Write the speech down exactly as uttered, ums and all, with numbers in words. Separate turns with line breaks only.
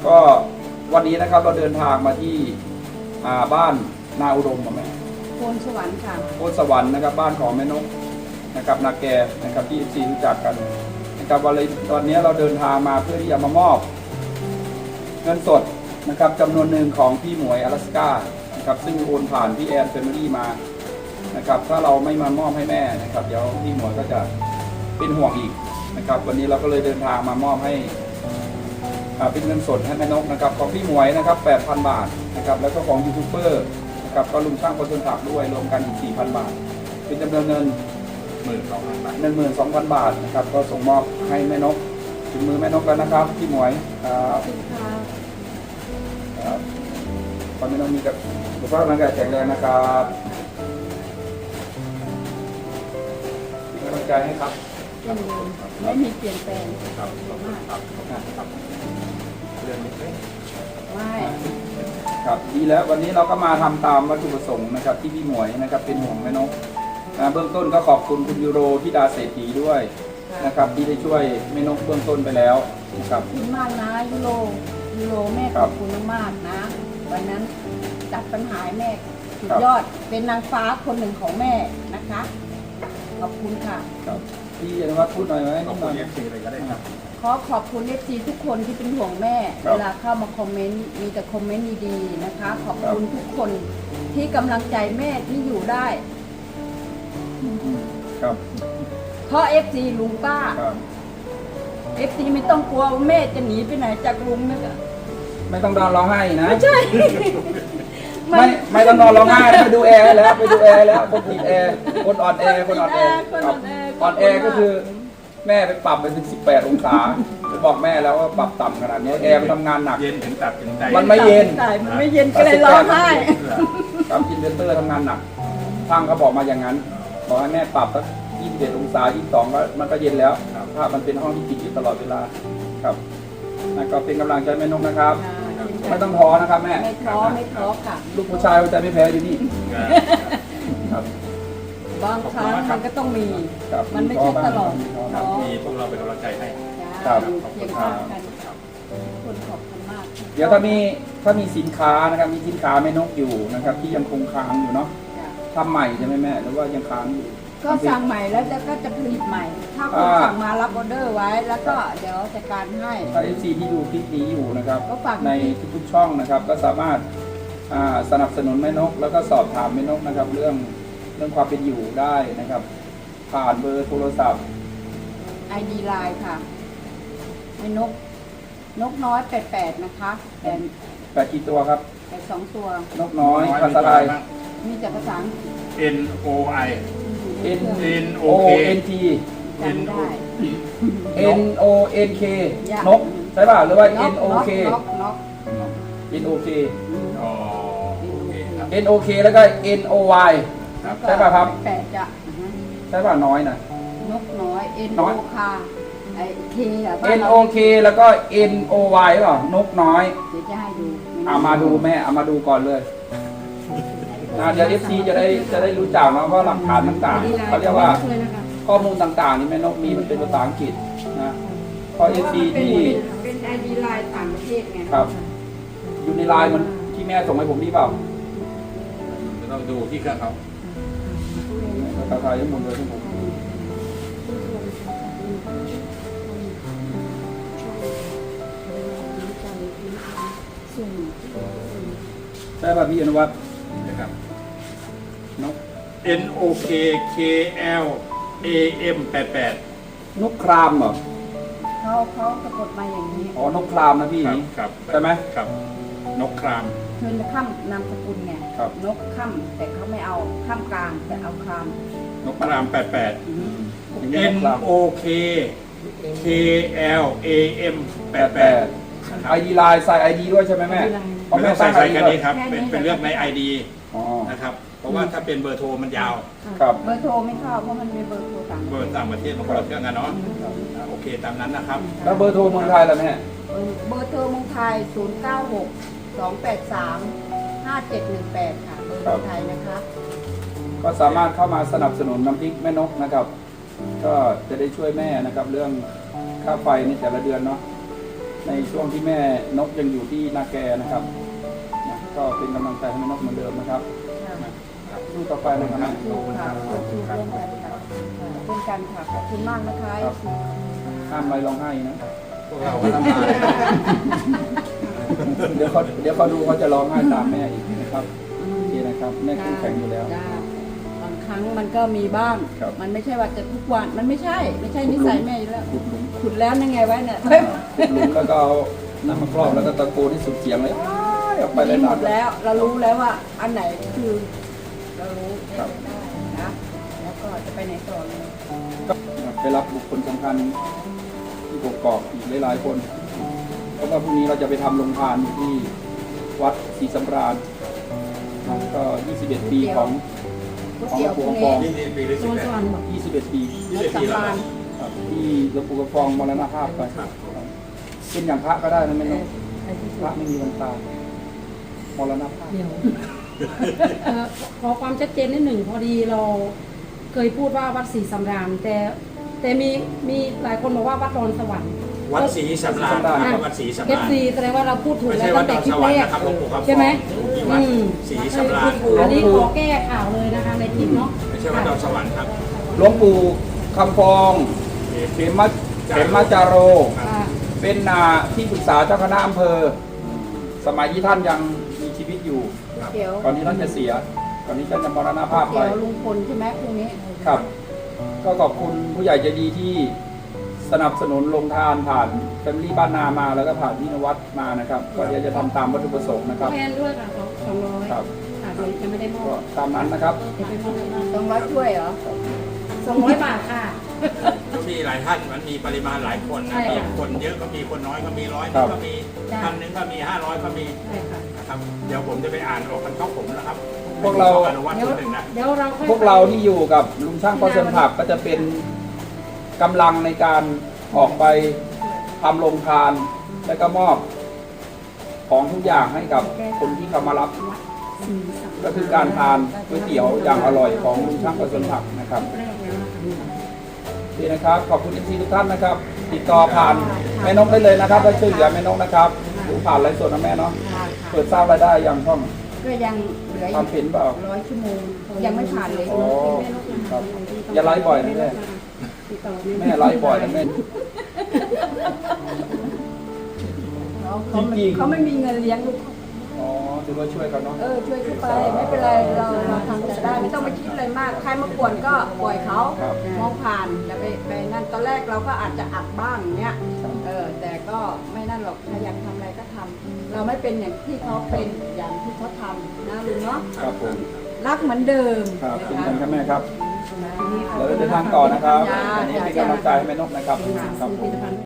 ก็วันนี้นะครับเราเดินทางมาที่บ้านนาอุดมแม่
โพนสวรรค์ค่ะ
โพนสวรรค์นะครับบ้านของแม่นกนะครับนาแกนะครับที่ซีรู้จักกันนะครับวันนี้ตอนนี้เราเดินทางมาเพื่อที่จะมามอบเงินสดนะครับจำนวนหนึ่งของพี่หมวยอลาสก้านะครับซึ่งโอนผ่านพี่แอนเฟมิลี่มานะครับถ้าเราไม่มามอบให้แม่นะครับเดี๋ยวพี่หมวยก็จะเป็นห่วงอีกนะครับวันนี้เราก็เลยเดินทางมามอบให้เป็นเงินสดให้แม่นกนะครับของพี่หมวยนะครับ แปดพัน บาทนะครับแล้วก็ของยูทูบเบอร์นะครับก็ลุงช่างคนต้นถักด้วยรวมกันอีก สี่พัน บาทเป็นจำนวนเงิน
หนึ่งหมื่นสองพัน บาท
หนึ่งหมื่นสองพัน บาทนะครับก็ส่งมอบให้แม่นกถึงมือแม่นกแล้วนะครับพี่หมวยครับครับตอนนี้น้องมีกับสุขภาพร่างกายแข็งแรงนะครับเป็นกำลังใจให้ครับ
ไม่มีเปลี่ยนแปลง
ครับมากครับครับเรื่องนี้
ไม่
ครับดีแล้ววันนี้เราก็มาทำตามวัตถุประสงค์นะครับที่พี่หมวยนะครับเป็นห่วงแม่นกนะเบื้องต้นก็ขอบคุณคุณยูโรที่ดาเศรษฐีด้วยนะครับที่ได้ช่วยแม่นกเบื้องต้นไปแล้วนะครับ
ขอบคุณมากนะยูโรยูโรแม่ขอบคุณมากนะวันนั้นจัดปัญหาแม่สุดยอดเป็นนางฟ้าคนหนึ่งของแม่นะคะขอบคุณค่ะ
พี่อนุวัฒน์พูดหน่อยไหม
ขอบคุณเอฟซีเลยก็ได้ครับ
ขอขอบคุณเอฟซีทุกคนที่เป็นห่วงแม่เวลาเข้ามาคอมเมนต์มีแต่คอมเมนต์ดีๆนะคะขอบคุณทุกคนที่กำลังใจแม่ที่อยู่ได้
ครับ
เพราะเอฟซีลุงป้าเอฟซีไม่ต้องกลัวแม่จะหนีไปไหนจากลุงนะคะ
ไม่ต้องนอนร้องไห้นะ
ไม่ใช่
ไม่ไม่ต้องนอนร้องไห้ไปดูแอร์แล้วไปดูแอร์แล้วคนติดแอร์คนอ่อนแอคนอ่อนแออ่อนแอก็คือแม่ไปปรับไปถึงสิบแปดองศาบอกแม่แล้วว่าปรับต่ำขนาดนี้แอร์มันทำงานหนัก
เย็นถึงตับถึงใจ
มันไม่เย็น
มันไม่เย็นก็เลยร้องไห้
ครับอินเวอร์เตอร์ทำงานหนักช่างเขาบอกมาอย่างนั้นบอกให้แม่ปรับสักยี่สิบเจ็ดองศายี่สิบสองก็มันก็เย็นแล้วถ้ามันเป็นห้องที่ปิดอยู่ตลอดเวลาครับนั่นก็เป็นกำลังใจแม่นกนะครับไม่ต้องท้อนะครับแม่
ไม่ท้อไม่ท้อค่ะ
ลูกผู้ชายใจไม่แพ้อยู่นี่ครับ
บางครั้งมันก็ต้องมีมันไม่ใช่ตลอด
มีพวกเราเป็นกำลังใจให้
ครับ
เพียงพอกันคนขอบคุณมาก
เดี๋ยวถ้ามีถ้ามีสินค้านะครับมีสินค้าแม่นกอยู่นะครับที่ยังคงค้างอยู่เนาะทำใหม่ใช่ไหมแม่หรือว่ายังค้างอยู่
ก็สั่งใหม่แล้วก็จะผลิตใหม่ถ้าคนสั่งมารับออเดอร์ไว้แล้วก็เดี๋ยวจัดการให้
ถ้าเอฟซีที่ดูคลิปนี้อยู่นะครับในทุกๆช่องนะครับก็สามารถสนับสนุนแม่นกแล้วก็สอบถามแม่นกนะครับเรื่องเรื่องความเป็นอยู่ได้นะครับผ่านเบอร์โทรศัพท์
ไอ ดี ไลน์ ค่ะแม่นกนกน้อยแปดแปดนะคะแต่
แปดกี่ตัวครับ
แปดสองตัวน
กน้อยภาษาไทย
มีแต่ภาษา
N O I
N
N O
N T
N O
N O N K นกใช่ป่ะหรือว่า N O K N O K N O K แล้วก็ N O Y ใช่ป่ะครับ
แปดจะ
ใช่ป่ะน้อยนะ
นกน้อย N O K ไอ K อ่ะ
N O K แล้วก็ N O Y หรอนกน้อย
เดี๋ยวจะให้ดู
เอามาดูแม่เอามาดูก่อนเลยเดี๋ยว เอฟ ซี จะได้จะได้รู้จักนะเพราะหลักฐานต่างๆเขาเรียกว่าข้อมูลต่างๆนี่แม่นกมีมันเป็นภาษาอังกฤษนะเพราะ เอฟ ซี ที่
เป็น ไอ ดี ไลน์ ต่างประเทศไง
ครับอยู่ในไลน์มันที่แม่ส่งให้ผมนี่เปล่า
เราดูที่เครื่องเขา
ภาษาไทยยังหมดเลยที่ผมใช่ป่ะพี่อนุวัฒน์
นะครับ
นก
N O K K L A M แปดแปด
นกครามเหรอ
เขาเขาสะกดมาอย่างนี้
อ๋อนกครามนะพี่
ครับ
ใช่ไหม
ครับนกคราม
คือข้ามนามสกุลไงนกข้ามแต่เขาไม่เอาข้ามกลางแต่เอาคราม
นกครามแปดแปด N O K K L A M แปดแปด
ไอดีไลน์ใส่ไอดีด้วยใช่ไหมแม่
เพราะแม่ใส่ใส่กันนี้ครับเป็นเป็นเรื่องในไอดีนะครับเพราะว่าถ้าเป็นเบอร์โทรมันยาว
ครับ
เบอร์โทรไม่เข้าเพราะมันมีเบอร์โทรต่าง
เบอร์ต่างประเทศมันคนละเครื่องกันเนาะโอเคตามนั้นนะครับ
แล้วเบอร์โทรเมืองไทยล่ะแม่
เบอร์โทรเมืองไทยศูนย์ เก้า หก สอง แปด สาม ห้า เจ็ด หนึ่ง แปดค่ะเบอร์เมืองไทยนะคะ
ก็สามารถเข้ามาสนับสนุนน้ำพริกแม่นกนะครับก็จะได้ช่วยแม่นะครับเรื่องค่าไฟในแต่ละเดือนเนาะในช่วงที่แม่นกยังอยู่ที่นาแกนะครับนะก็เป็นกำลังใจให้แม่นกเหมือนเดิมนะครับสู้ต่อไปนะครับแม่
สู้ค่ะสู้ร่วมกันค่ะเป็นกันค่ะขอบคุณมากนะคะ
ครับห้ามอะไรร้องไห้นะ
พวกเราก็ทำงาน
เดี๋ยวเขาเดี๋ยวเขาดูเขาจะร้องไห้ตามแม่อีกนะครับโอเคนะครับแม่เข้มแข็งอยู่แล้ว
จ้าบางครั้งมันก็มีบ้าง
ครับ
มันไม่ใช่ว่าจะทุกวันมันไม่ใช่ ไม่ใช่นิสัยแม่อยู่แล้ว
ขุดหลุม
ขุดแล้วยังไงไว้เนี่ย
ขุดหลุมแล้วก็เอาน้ำมาครอบแล้วก็ตะโกนให้สุดเสียงเลยอ้ายออกไปเลย
หม
นะ
ดแล้วเรารู้แล้วว่าอันไหนคือ เรารู้
ครับ
นะแล้วก็จะไปไหนต่อเลย
ก็ไปรับบุคคลสำคัญที่กกอกอีกหลายๆคนเพราะว่าพรุ่งนี้เราจะไปทำโรงทานอยู่ที่วัดศรีสำราญครับก็ยี่สิบเอ็ดปีของ
ก๋วย
ของหล
เตี๋ยว
วง
พ
ปู่
รุ่ง
กำฟ
นี้
อง
นี่ปีละสิบแปด
ยี่สิบเอ็ดปี
ยี่สิบปีแล้ว
ครับที่หลวงปู่กำฟองมรณภาพไป
ครับ
เป็นอย่างพระก็ได้นะไม่ต้องพระไม่มีวันตายมรณภาพ
เดี๋ยวเอ่อขอความชัดเจนนิดหนึ่งพอดีเราเคยพูดว่าวัดศรีสำราญแต่แต่มีมีหลายคนบอกว่าวัดดอนสวรรค์
วัดศรีสำราญนะครับวัดศรีสำ
เอ
รา
ฟ
ญ
ซีแสดงว่าเราพูดถูก
ไม่
แล้
ใช่
ว
วั
ตั้
ด
ง
ด
แต่
อน
คลิ
ส
ป
วรร
แร
ค์
ก
นะครับหลวงปู่คำฟอง
ใช่ไหม
ที่วัด
อืม
ศรีสำราญ
อันนี้ขอแก้ข่าวเลยนะคะในคลิปเนาะ
ไม่ใช่วัดดอนสวรรค์ครับ
หลวงปู่คำฟองเขมะเขมะจาโร
อ่า
เป็นนาที่ปรึกษาเจ้าคณะอำเภอ สมัยที่ท่านยังมีชีวิตอยู่
เดี๋ยว
ก่อนที่ท่านจะเสีย ก่อนที่ท่านจะมรณภาพไป
เดี๋ยวลุงพลใช่ไหมพรุ่งนี้
ครับ ก็ขอบคุณผู้ใหญ่ใจดีที่สนับสนุนลงทานผ่านแฟมิลี่บ้านนามาแล้วก็ผ่านพี่นวัดมานะครับ ก็เดี๋ยวจะทำตามวัตถุประสงค์นะครับ
แทนด้วยค่ะสองร้อย
ครับ
ค่ะเดี๋ยวจะไม่ได้มอ
ก็
บ
ตามนั้นนะครับ
เดี๋ยวไปมอบให้
ต้องร้อยถ้วยเหรอ
สองร้อยบาทค่ะ
ก็มีหลายท่านมันมีปริมาณหลายคนนะ
ใช่
มี
ค่ะ
คนเยอะก็มีคนน้อยก็มีร้อย
ครั
นึ
บ
งก็มี
จ้ะ
พันหนึงก็มีห้าร้อยก็มี
ใช่ค่ะ
นะครับเดี๋ยวผมจะไปอ่านออกกันเข้าผมนะครับ
พวกเรา
อนุวัต
เดี๋ยว
คนหนึ่งนะ
เดี๋ยวเราค่อย
พวกเราที่อยู่กับลุงช่างปอเซนผักก็จะเป็นกำลังในการออกไปทำโรงทาน และก็มอบของทุกอย่างให้กับคนที่เขามารับ
วัดศรีสำราญ
ก็คือการทานก๋วยเตี๋ยวอย่างอร่อยของลุงช่างปอเซนผักนะครับ
แรกแล้วนะคะ
ดีนะครับ ขอบคุณเอฟซีทุกท่านนะครับ ติดต่อผ่านแม่นกได้เลยนะครับและช่วยเหลือแม่นกนะครับหรือผ่านไลฟ์สดนะแม่เนาะ
ค่ะ
เปิดสร้างรายได้อย่างช่อง
ก็ยังเหลือ
ทำเป็นเปล่า
ร้อยชั่วโมง ยังไม่ผ่านเลย
อ๋อครับอย่าไลฟ์บ่อยนะแม่
ติดต่อ
แม่ไลฟ์บ่อยนะแม่
เขาเขาไม่
จริงๆ
เขาไม่มีเงินเลี้ยงลูก
อ๋อถือว่าช่วยเขาเนาะ
เออช่วยเขาไปไม่เป็นไรเราเราทำจะได้ไม่ต้องไปคิดอะไรมาก ใครมากวนก็ปล่อยเขา
ครับ
มองผ่านอย่าไปไปนั่นตอนแรกเราก็อาจจะอัดบ้างเนี้ยเออแต่ก็ไม่นั่นหรอกถ้าอยากทำอะไรก็ทำเราไม่เป็นอย่างที่เขาเป็นอย่างที่เขาทำนะลุงเนาะ
ครับผม
รักเหมือนเดิม
ครับ
นะ
เป็น
คะ
กันครับแม่ครับ
นะ
เราเดินทางต่อนะครับ
จ้า
อันนี้เป็นกำลังใจให้แม่นกนะครับ
เป็น
ครับ
ผ
ผม
ลิตภัณฑ์